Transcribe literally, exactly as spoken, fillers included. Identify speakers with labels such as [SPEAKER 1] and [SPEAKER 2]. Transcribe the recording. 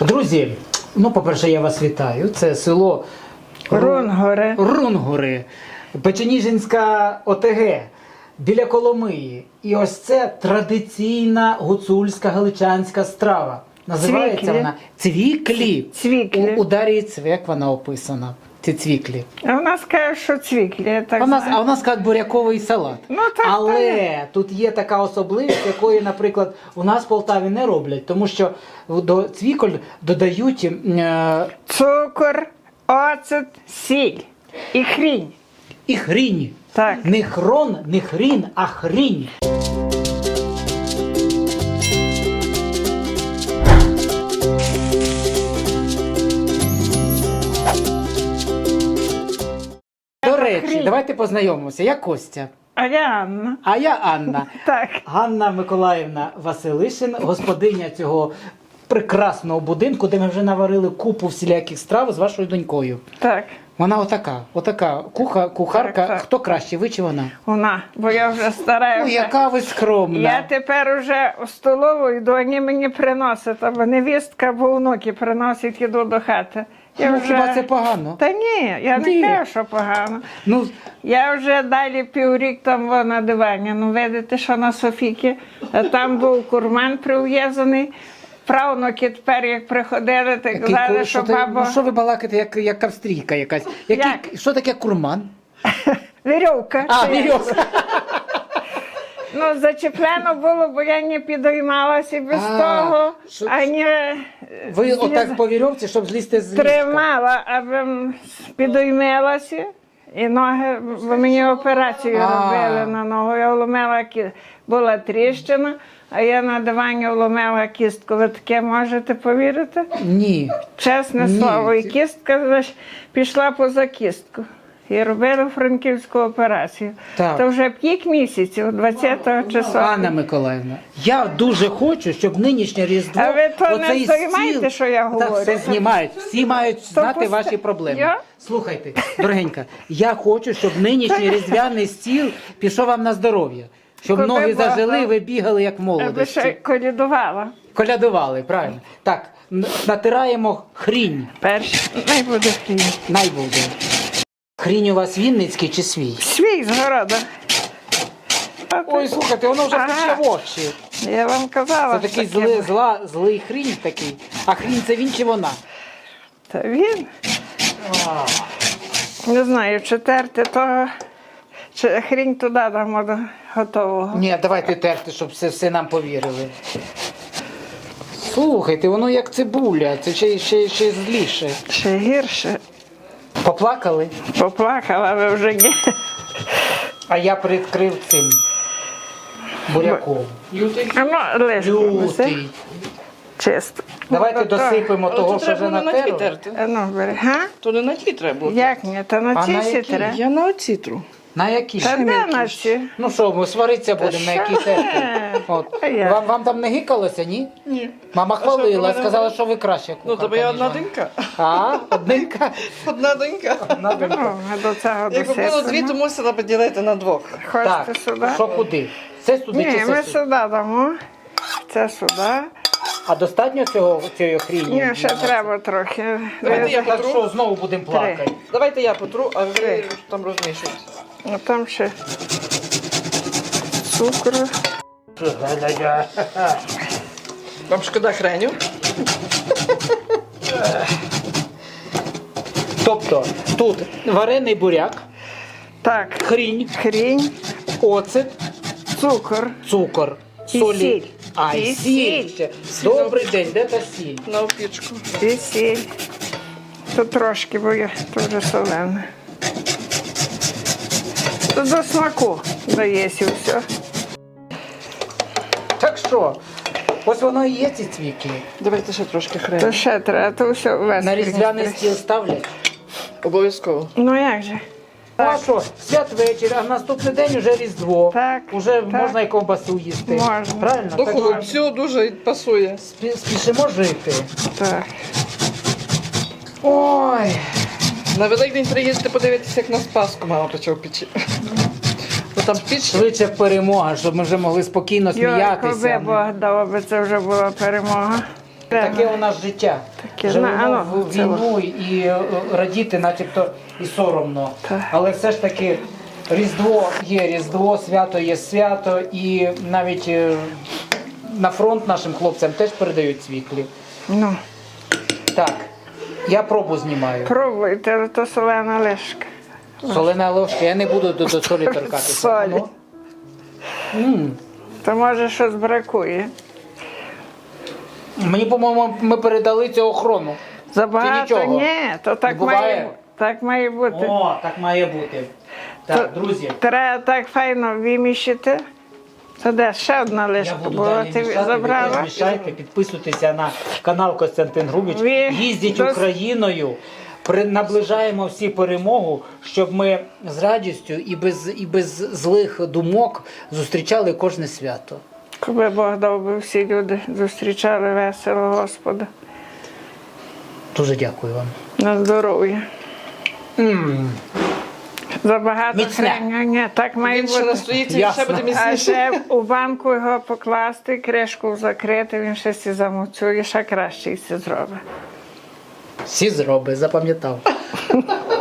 [SPEAKER 1] Друзі, ну, по-перше, я вас вітаю. Це село
[SPEAKER 2] Рунгори.
[SPEAKER 1] Рунгори, Печеніжинська ОТГ, біля Коломиї. І ось це традиційна гуцульська галичанська страва. Називається
[SPEAKER 2] Цвіклі.
[SPEAKER 1] вона цвіклі.
[SPEAKER 2] Цвіклі.
[SPEAKER 1] У, у Дар'ї Цвек вона описана. Ці цвіклі.
[SPEAKER 2] А у нас кажуть, що цвіклі, я так
[SPEAKER 1] А у нас,
[SPEAKER 2] знаю.
[SPEAKER 1] а у нас як буряковий салат.
[SPEAKER 2] Ну, так,
[SPEAKER 1] Але
[SPEAKER 2] так.
[SPEAKER 1] тут є така особливість, якої, наприклад, у нас в Полтаві не роблять, тому що до цвіколь додають е,
[SPEAKER 2] Цукор, оцет, сіль і хрінь.
[SPEAKER 1] і хрінь.
[SPEAKER 2] Так.
[SPEAKER 1] Не хрон, не хрін, а хрінь. До речі,
[SPEAKER 2] хрінь.
[SPEAKER 1] давайте познайомимося. Я Костя,
[SPEAKER 2] А я Анна.
[SPEAKER 1] а я Анна.
[SPEAKER 2] Так.
[SPEAKER 1] Ганна Миколаївна Василишин, господиня цього прекрасного будинку, де ми вже наварили купу всіляких страв з вашою донькою.
[SPEAKER 2] Так.
[SPEAKER 1] Вона отака, отака куха, кухарка.
[SPEAKER 2] Так, так.
[SPEAKER 1] Хто краще, ви чи вона?
[SPEAKER 2] Вона, бо я вже стара.
[SPEAKER 1] Ну,
[SPEAKER 2] вже.
[SPEAKER 1] яка ви скромна.
[SPEAKER 2] Я тепер уже у столову йду, вони мені приносять, або невістка, або внуки приносять, іду до хати. Я
[SPEAKER 1] Ну, хіба це погано?
[SPEAKER 2] Та ні, я
[SPEAKER 1] Ні.
[SPEAKER 2] не кажу, що погано.
[SPEAKER 1] Ну,
[SPEAKER 2] Я вже далі піврік там во, на дивані. Ну, видите, що на Софіки. А там був курман прив'язаний. Правнуки тепер, як приходили, так
[SPEAKER 1] який
[SPEAKER 2] казали,
[SPEAKER 1] ку-
[SPEAKER 2] що
[SPEAKER 1] ти-
[SPEAKER 2] баба...
[SPEAKER 1] ну, що ви балакаєте, як, як австрійка якась? Який,
[SPEAKER 2] Як?
[SPEAKER 1] Що таке курман?
[SPEAKER 2] Вірьовка.
[SPEAKER 1] А,
[SPEAKER 2] Чи як?
[SPEAKER 1] вірьовка.
[SPEAKER 2] Ну, зачеплено було, бо я не підіймалася без
[SPEAKER 1] А,
[SPEAKER 2] того,
[SPEAKER 1] що-
[SPEAKER 2] ані
[SPEAKER 1] Ви
[SPEAKER 2] зліз-
[SPEAKER 1] отак по вірьовці, щоб злізти з ліжка.
[SPEAKER 2] тримала, аби підіймалася. І ноги, бо мені операцію
[SPEAKER 1] А.
[SPEAKER 2] робили на ногу. Я вломила, кі- була тріщина, а я на дивані вломила кістку. Ви таке можете повірити?
[SPEAKER 1] Ні.
[SPEAKER 2] Чесне
[SPEAKER 1] Ні.
[SPEAKER 2] слово. І кістка знаєш, пішла поза кістку. І робили франківську операцію.
[SPEAKER 1] Так.
[SPEAKER 2] То вже п'ять місяців, двадцятого числа.
[SPEAKER 1] Анна Миколаївна, я дуже хочу, щоб нинішнє Різдво...
[SPEAKER 2] А ви то не
[SPEAKER 1] оцей
[SPEAKER 2] знімаєте,
[SPEAKER 1] стіл-
[SPEAKER 2] що я
[SPEAKER 1] Та
[SPEAKER 2] говорю?
[SPEAKER 1] все знімають, всі мають знати
[SPEAKER 2] пусте-
[SPEAKER 1] ваші проблеми.
[SPEAKER 2] Я?
[SPEAKER 1] Слухайте, дорогенька, я хочу, щоб нинішній різдвяний стіл пішов вам на здоров'я. Щоб
[SPEAKER 2] Куди
[SPEAKER 1] ноги
[SPEAKER 2] Бога?
[SPEAKER 1] зажили, ви бігали як в
[SPEAKER 2] Аби ще
[SPEAKER 1] молодості.
[SPEAKER 2] колядувала.
[SPEAKER 1] Колядували, правильно. Так, н- натираємо хрінь.
[SPEAKER 2] Перш, най буде хрінь.
[SPEAKER 1] Най буде. Хрінь у вас вінницький чи свій?
[SPEAKER 2] Свій з города. А
[SPEAKER 1] Ой,
[SPEAKER 2] ти-
[SPEAKER 1] слухайте, воно вже
[SPEAKER 2] Ага.
[SPEAKER 1] пече в очі.
[SPEAKER 2] Я вам казала.
[SPEAKER 1] Це такий
[SPEAKER 2] що таке
[SPEAKER 1] зли,
[SPEAKER 2] буде.
[SPEAKER 1] зла, злий хрінь такий. А хрінь це він чи вона?
[SPEAKER 2] Та він, не знаю, чи терти того, чи хрінь туди дамо до готового.
[SPEAKER 1] Ні, давайте терти, щоб все, все нам повірили. Слухайте, воно як цибуля, це ще, ще, ще зліше.
[SPEAKER 2] Ще гірше.
[SPEAKER 1] Поплакали,
[SPEAKER 2] Поплакала ви вже ні.
[SPEAKER 1] а я прикрив цим буряком.
[SPEAKER 2] А ну, лишку неси.
[SPEAKER 1] Лютий.
[SPEAKER 2] Чисто.
[SPEAKER 1] Давайте
[SPEAKER 2] Ну, то-
[SPEAKER 1] досипемо
[SPEAKER 3] Але
[SPEAKER 1] того,
[SPEAKER 3] тут
[SPEAKER 1] що вже
[SPEAKER 3] треба не на ті
[SPEAKER 1] натерли.
[SPEAKER 3] терти.
[SPEAKER 2] А ну, бери. Га?
[SPEAKER 3] То не на ті треба було.
[SPEAKER 2] Як ні? Та на
[SPEAKER 1] А на
[SPEAKER 2] ці
[SPEAKER 1] які?
[SPEAKER 2] сітре.
[SPEAKER 3] Я на оці тру.
[SPEAKER 1] На які?
[SPEAKER 2] Та де на ці?
[SPEAKER 1] Ну що, ми сваритися будемо, на які терти. От.
[SPEAKER 2] А я?
[SPEAKER 1] Вам, вам там не гикалося, ні?
[SPEAKER 3] Ні.
[SPEAKER 1] Мама
[SPEAKER 3] А що,
[SPEAKER 1] хвалила,
[SPEAKER 3] про мене
[SPEAKER 1] сказала,
[SPEAKER 3] говорить?
[SPEAKER 1] що ви краще
[SPEAKER 3] Ну,
[SPEAKER 1] кухарка,
[SPEAKER 3] тебе я
[SPEAKER 1] ніж
[SPEAKER 3] одна
[SPEAKER 1] вона.
[SPEAKER 3] донька.
[SPEAKER 1] А, одненька?
[SPEAKER 3] Одна донька.
[SPEAKER 1] Одна донька.
[SPEAKER 2] Ну, а до цього
[SPEAKER 3] Якби було дві,
[SPEAKER 2] досипемо.
[SPEAKER 3] то мусила поділити на двох.
[SPEAKER 1] Так,
[SPEAKER 2] Хочете сюди?
[SPEAKER 1] що куди? Це сюди
[SPEAKER 2] Ні,
[SPEAKER 1] чи
[SPEAKER 2] ми
[SPEAKER 1] це
[SPEAKER 2] сюди
[SPEAKER 1] сюди?
[SPEAKER 2] дамо. Це сюди.
[SPEAKER 1] А достатньо цього, цієї хріні?
[SPEAKER 2] Ні, ще треба трохи.
[SPEAKER 3] Давайте я
[SPEAKER 1] Так
[SPEAKER 3] потру.
[SPEAKER 1] що, знову будемо плакати?
[SPEAKER 3] Давайте я потру, а ви
[SPEAKER 2] Три.
[SPEAKER 3] там розмішуєте.
[SPEAKER 2] А там ще цукру.
[SPEAKER 3] Вам шкода хреню?
[SPEAKER 1] Тобто, тут варений буряк,
[SPEAKER 2] Так,
[SPEAKER 1] хрінь,
[SPEAKER 2] хрінь,
[SPEAKER 1] оцет,
[SPEAKER 2] цукор.
[SPEAKER 1] цукор,
[SPEAKER 2] І
[SPEAKER 1] солі.
[SPEAKER 2] сіль.
[SPEAKER 1] А, і
[SPEAKER 2] І
[SPEAKER 1] сіль.
[SPEAKER 2] сіль.
[SPEAKER 1] ще. Добрий день, де та сіль?
[SPEAKER 3] На опічку.
[SPEAKER 2] І сіль. Тут трошки, бо я дуже солене. Тут до смаку дається все.
[SPEAKER 1] Так що, ось воно і є ці цвіки.
[SPEAKER 3] Давайте ще трошки
[SPEAKER 2] То
[SPEAKER 3] хреню.
[SPEAKER 2] ще треба, то все весь.
[SPEAKER 1] На різдвяний
[SPEAKER 2] принести.
[SPEAKER 1] стіл ставлять.
[SPEAKER 3] Обов'язково.
[SPEAKER 2] Ну як же?
[SPEAKER 1] Ну а що, святвечір, а наступний день уже Різдво.
[SPEAKER 2] Так,
[SPEAKER 1] Уже
[SPEAKER 2] так.
[SPEAKER 1] можна і ковбасу їсти.
[SPEAKER 2] Можна.
[SPEAKER 1] Правильно?
[SPEAKER 3] До
[SPEAKER 1] Так що
[SPEAKER 3] холодцю дуже пасує.
[SPEAKER 1] спі- спішимо жити.
[SPEAKER 2] Так.
[SPEAKER 1] Ой.
[SPEAKER 3] На Великдень приїздите подивитися, як на Спаску мама пече в печі. Бо там піч.
[SPEAKER 1] Швидше перемога, щоб ми вже могли спокійно
[SPEAKER 2] Йой, коли
[SPEAKER 1] сміятися.
[SPEAKER 2] Бог дав, аби це вже була перемога.
[SPEAKER 1] Таке у нас життя.
[SPEAKER 2] Таке,
[SPEAKER 1] Живемо
[SPEAKER 2] на, ну,
[SPEAKER 1] в
[SPEAKER 2] це
[SPEAKER 1] війну і е, радіти начебто і соромно.
[SPEAKER 2] Так.
[SPEAKER 1] Але все ж таки Різдво є Різдво, свято є свято, і навіть е, на фронт нашим хлопцям теж передають світлі.
[SPEAKER 2] Ну,
[SPEAKER 1] Так, я пробу знімаю.
[SPEAKER 2] пробуйте, але то солена лишка.
[SPEAKER 1] Солена ложка, я не буду до, до солі торкатися.
[SPEAKER 2] Солі.
[SPEAKER 1] Ну. М.
[SPEAKER 2] То може щось бракує.
[SPEAKER 1] Мені, по-моєму, ми передали цю охорону.
[SPEAKER 2] Забагато?
[SPEAKER 1] нічого?
[SPEAKER 2] Ні, то так
[SPEAKER 1] Не буває?
[SPEAKER 2] має, так має бути.
[SPEAKER 1] О, так має бути. Так,
[SPEAKER 2] То
[SPEAKER 1] друзі.
[SPEAKER 2] Треба так файно виміщити. Це де ще одна
[SPEAKER 1] Я
[SPEAKER 2] лишка
[SPEAKER 1] буду
[SPEAKER 2] була,
[SPEAKER 1] далі
[SPEAKER 2] ти
[SPEAKER 1] мішати, ви
[SPEAKER 2] забрала.
[SPEAKER 1] теж мішайте, підписуйтеся на канал Костянтин Грубіч.
[SPEAKER 2] Ви
[SPEAKER 1] Їздіть
[SPEAKER 2] дос-
[SPEAKER 1] Україною, при, наближаємо всі перемогу, щоб ми з радістю і без, і без злих думок зустрічали кожне свято.
[SPEAKER 2] Коби Бог дав би всі люди зустрічали весело Господа.
[SPEAKER 1] Дуже дякую вам.
[SPEAKER 2] На здоров'я.
[SPEAKER 1] М.
[SPEAKER 2] Забагато
[SPEAKER 1] Міцне.
[SPEAKER 2] хреня. Ні, так має
[SPEAKER 3] Він ще
[SPEAKER 2] бути.
[SPEAKER 3] настоїться і
[SPEAKER 1] Ясно.
[SPEAKER 3] ще буде
[SPEAKER 2] А
[SPEAKER 3] міцніше.
[SPEAKER 2] ще у банку його покласти, кришку закрити, він ще сі замуцює, ще краще і все зробить.
[SPEAKER 1] Всі зроби, запам'ятав.